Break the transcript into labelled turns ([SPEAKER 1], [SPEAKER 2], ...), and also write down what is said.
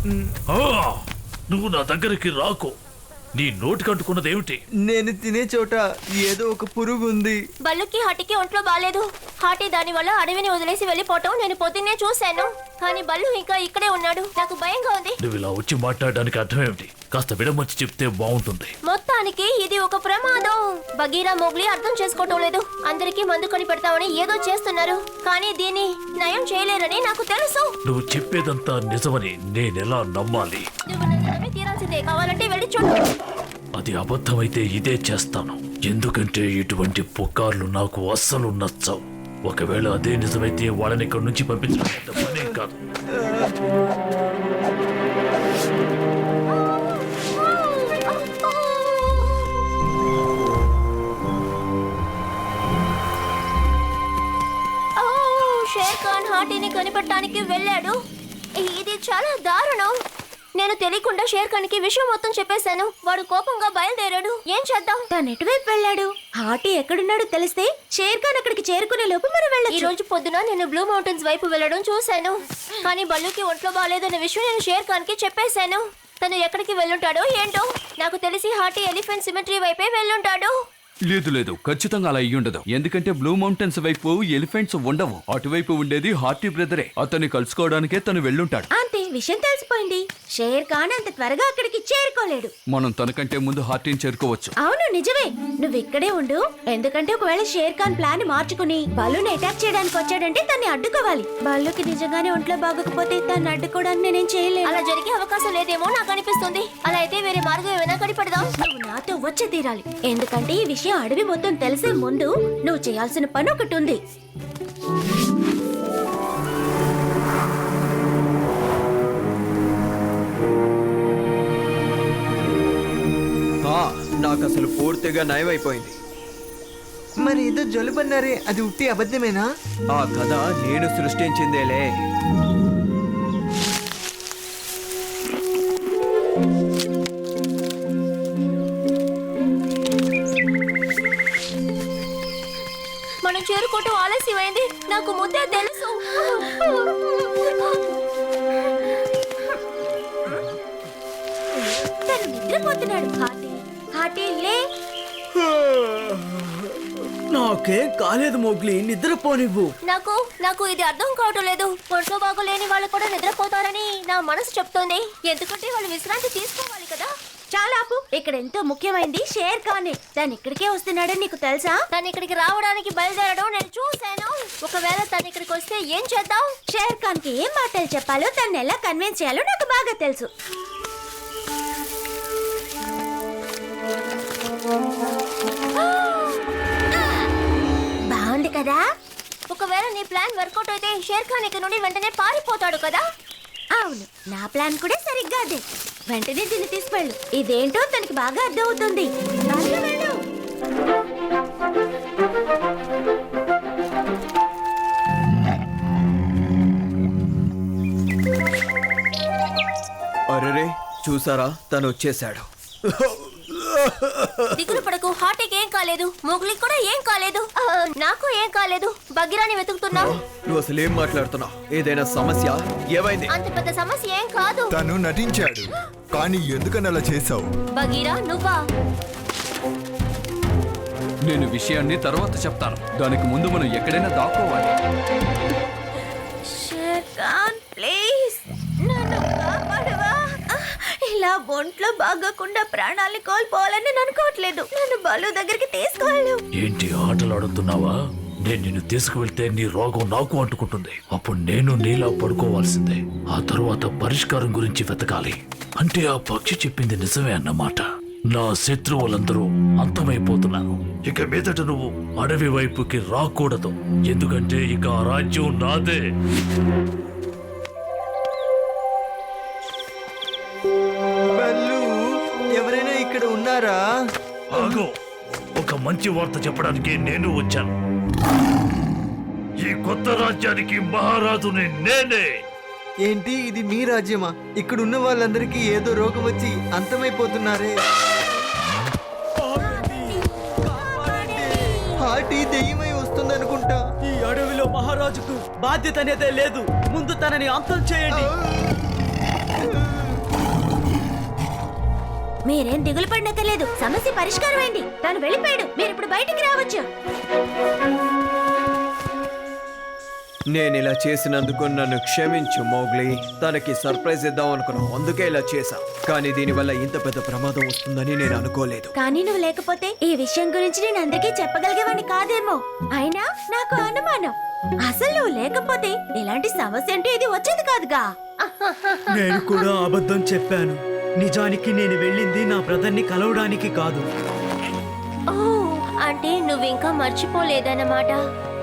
[SPEAKER 1] నువ్వు నా దగ్గరికి రాకు. నీ నోటికి అంటుకున్నదేమిటి?
[SPEAKER 2] నేను తినే చోట ఏదో ఒక పురుగు ఉంది.
[SPEAKER 3] బల్లుకి హాటికి ఒంట్లో బాలేదు. హాటి దాని వల్ల అడవిని వదిలేసి వెళ్ళిపోవటం నేను పొద్దున్నే చూశాను. కానీ బల్లు ఇంకా ఇక్కడే ఉన్నాడు. నాకు భయంగా ఉంది.
[SPEAKER 1] నువ్వు ఇలా వచ్చి మాట్లాడడానికి అర్థం ఏమిటి? కాస్త విడమర్చి చెప్తే బాగుంటుంది.
[SPEAKER 3] మొత్తానికి ఇది ఒక ప్రమాదం. బగీరా మోగ్లీ అర్థం చేసుకోవటం లేదు. అందరికీ మందు కొని పెడతామని ఏదో చేస్తున్నారు. కానీ దీన్ని నయం చేయలేరని నాకు తెలుసు.
[SPEAKER 1] నువ్వు చెప్పేదంతా నిజమని నేనెలా నమ్మాలి?
[SPEAKER 3] నువ్వు నన్ను నమ్మి తీరాల్సిందే. కావాలంటే వెళ్ళి చూడు.
[SPEAKER 1] అది అబద్ధమైతే ఇదే చేస్తాను. ఎందుకంటే ఇటువంటి పుకార్లు నాకు అస్సలు నచ్చవు. ఒకవేళ అదే నిజమైతే వాళ్ళని ఇక్కడి నుంచి పంపించడం పనే కాదు. షేర్ ఖాన్ హాటిని కనిపెట్టడానికి వెళ్ళాడు. ఇది చాలా దారుణం. నేను తెలియకుండా షేర్ ఖాన్ కి విషయం మొత్తం చెప్పేశాను. వాడు కోపంగా బయలుదేరాడు. ఏం చేద్దాం?
[SPEAKER 4] తను ఎటువైపు వెళ్ళాడు? హాటి ఎక్కడున్నాడో తెలిస్తే షేర్ ఖాన్ అక్కడికి చేరుకునే లోపు మనం
[SPEAKER 3] ఈ
[SPEAKER 4] వెళ్ళొచ్చు.
[SPEAKER 3] రోజు పొద్దున నేను బ్లూ మౌంటైన్స్ వైపు వెళ్ళడం చూశాను. కానీ బల్లుకి ఒంట్లో బాగాలేదనే విషయం నేను షేర్ ఖాన్ కి చెప్పేశాను. తను ఎక్కడికి వెళ్ళుంటాడో ఏంటో. నాకు తెలిసి హాటి ఎలిఫెంట్ సిమెట్రీ వైపే వెళ్ళుంటాడు.
[SPEAKER 5] లేదు, ఖచ్చితంగా అలా అయ్యుండదు. ఎందుకంటే బ్లూ మౌంటైన్స్ వైపు ఎలిఫెంట్స్ ఉండవు. అటువైపు ఉండేది హార్టీ బ్రదరే. అతన్ని కలుసుకోవడానికే తను వెళ్ళుంటాడు.
[SPEAKER 4] అంతే, విషయం తెలిసిపోయింది. షేర్ ఖాన్ అంత త్వరగా అక్కడికి చేరుకోలేడు.
[SPEAKER 5] మనం తనకంటే ముందు హార్టీని చేరుకోవచ్చు.
[SPEAKER 4] అవును, నిజమే. నువ్వు ఇక్కడే ఉండు. ఎందుకంటే ఒకవేళ షేర్ ఖాన్ ప్లాన్ మార్చుకుని బల్లుని అటాక్ చేయడానికి వచ్చాడంటే తన్ని అడ్డుకోవాలి. బల్లుకి నిజంగానే ఒంట్లో బాగోకపోతే తను అడ్డుకోవడానికి నేనేం చేయలేను.
[SPEAKER 3] అలా జరిగే అవకాశం లేదేమో నాకు అనిపిస్తుంది. అలా అయితే వేరే మార్గం ఏమైనా కనిపెడదాం.
[SPEAKER 4] నువ్వు నాతో వచ్చి తీరాలి. ఎందుకంటే ఈ విషయం అడవి మొత్తం తెలిసే ముందు నువ్వు చేయాల్సిన పని ఒకటి ఉంది.
[SPEAKER 2] నాకు అసలు పూర్తిగా నయమైపోయింది. మరి ఏదో జలుబన్నారే, అది ఉట్టి అబద్ధమేనా? ఆ కథ నేను సృష్టించిందేలే.
[SPEAKER 3] మనం చేరుకోవటం ఆలస్యమైంది. నాకు ముందే తెలుసు.
[SPEAKER 4] తను నిద్రపోతున్నాడు. హాటి లే.
[SPEAKER 2] నాకేం కాలేదు మోగ్లీ, నిద్రపోనివ్వు.
[SPEAKER 3] నాకు ఇది అర్థం కావటం లేదు. ఒంట్లో బాగోలేని వాళ్ళు కూడా నిద్రపోతారని నా మనసు చెప్తోంది. ఎందుకంటే వాళ్ళు విశ్రాంతి తీసుకోవాలి కదా.
[SPEAKER 4] చాలా ఆపు. ఇక్కడ ఎంతో ముఖ్యమైనది షేర్ ఖాన్. తను ఇక్కడికే వస్తున్నాడని నీకు తెలుసా?
[SPEAKER 3] తను ఇక్కడికి రావడానికి బయలుదేరడం నేను చూశాను. ఒకవేళ తను ఇక్కడికి వస్తే ఏం చేద్దాం?
[SPEAKER 4] షేర్ ఖాన్ కి ఏం మాటలు చెప్పాలో, తను ఎలా కన్విన్స్ చేయాలో నాకు బాగా తెలుసు. బాగుంది కదా?
[SPEAKER 3] ఒకవేళ నీ ప్లాన్ వర్కౌట్ అయితే షేర్ ఖాన్ ఇక్కడ నుండి వెంటనే పారిపోతాడు కదా.
[SPEAKER 4] అవును, నా ప్లాన్ కూడా సరిగ్గా అదే. వెంటనే దీన్ని తీసుకెళ్ళు. ఇదేంటో తనకి బాగా అర్థం అవుతుంది. వెళ్ళు.
[SPEAKER 2] అరెరే, చూసారా, తను వచ్చేసాడు.
[SPEAKER 3] దిగులు పడకు. హార్టీకి ఏం కాలేదు. మోగ్లీకి కూడా ఏం కాలేదు. నాకు ఏం కాలేదు. బగీరాని వెతుకుతున్నావు.
[SPEAKER 2] నువ్వు అసలు ఏం మాట్లాడుతున్నావు? ఏదైనా సమస్య? ఏమైంది?
[SPEAKER 3] అంత పెద్ద సమస్య ఏం కాదు.
[SPEAKER 6] తను నటించాడు, కానీ ఎందుకని అలా చేసావు?
[SPEAKER 3] బగీరా, నువ్వా?
[SPEAKER 5] నేను విషయాన్ని తర్వాత చెప్తాను. దానికి ముందు మనం ఎక్కడైనా దాక్కోవాలి.
[SPEAKER 4] షేర్ ఖాన్, ప్లీజ్ నన్ను కాపాడవా? ఇలా ఒంట్లో బాగోకుండా ప్రాణాలు కోల్పోవాలని నేను అనుకోవట్లేదు. నన్ను బల్లు దగ్గరికి తీసుకువెళ్ళు.
[SPEAKER 1] ఏంటి ఆటలాడుతున్నావా? నేను నిన్ను తీసుకువెళ్తే నీ రోగం నాకు అంటుకుంటుంది. అప్పుడు నేను నీలా పడుకోవాల్సిందే. ఆ తరువాత పరిష్కారం గురించి వెతకాలి. అంటే ఆ పక్షి చెప్పింది నిజమే అన్నమాట. నా శత్రువులందరూ అంతమైపోతున్నాను. ఇక మీదట నువ్వు అడవి వైపుకి రాకూడదు. ఎందుకంటే ఇక ఆ రాజ్యం నాదే.
[SPEAKER 2] బల్లు, ఎవరైనా ఇక్కడ ఉన్నారా?
[SPEAKER 1] ఆగో, ఒక మంచి వార్త చెప్పడానికి నేను వచ్చాను. ఈ కొత్త రాజ్యానికి మహారాజుని నేనే.
[SPEAKER 2] ఏంటి, ఇది మీ రాజ్యమా? ఇక్కడ ఉన్న వాళ్ళందరికీ ఏదో రోగం వచ్చి అంతమైపోతున్నారే. హార్టీ దెయ్యమై వస్తుందనుకుంటా.
[SPEAKER 7] ఈ అడవిలో మహారాజుకు బాధ్యత అనేదే లేదు. ముందు తనని అంతం చేయండి.
[SPEAKER 4] మీరేం దిగులు పడనక్కర్లేదు, సమస్య పరిష్కారం అయింది. తను వెళ్ళిపోయాడు, మీరు ఇప్పుడు బయటికి రావచ్చు.
[SPEAKER 2] నేను ఇలా చేసినందుకు నన్ను క్షమించు మోగ్లీ. తనకి సర్ప్రైజ్ ఇద్దాం అనుకున్నాం, అందుకే ఇలా చేశా. కానీ దీనివల్ల ఇంత పెద్ద ప్రమాదం వస్తుందని నేను అనుకోలేదు.
[SPEAKER 4] కానీ నువ్వు లేకపోతే ఈ విషయం గురించి నేను అందరికీ చెప్పగలిగేవాడిని కాదేమో. అయినా నాకు అనుమానం, అసలు నువ్వు లేకపోతే ఇలాంటి సమస్య అంటే ఇది వచ్చేది కాదుగా.
[SPEAKER 7] నేను కూడా అబద్ధం చెప్పాను. నిజానికి నేను వెళ్ళింది నా బ్రదర్ని కలవడానికి కాదు.
[SPEAKER 3] ఓ, అంటే నువ్వింకా మర్చిపోలేదన్నమాట.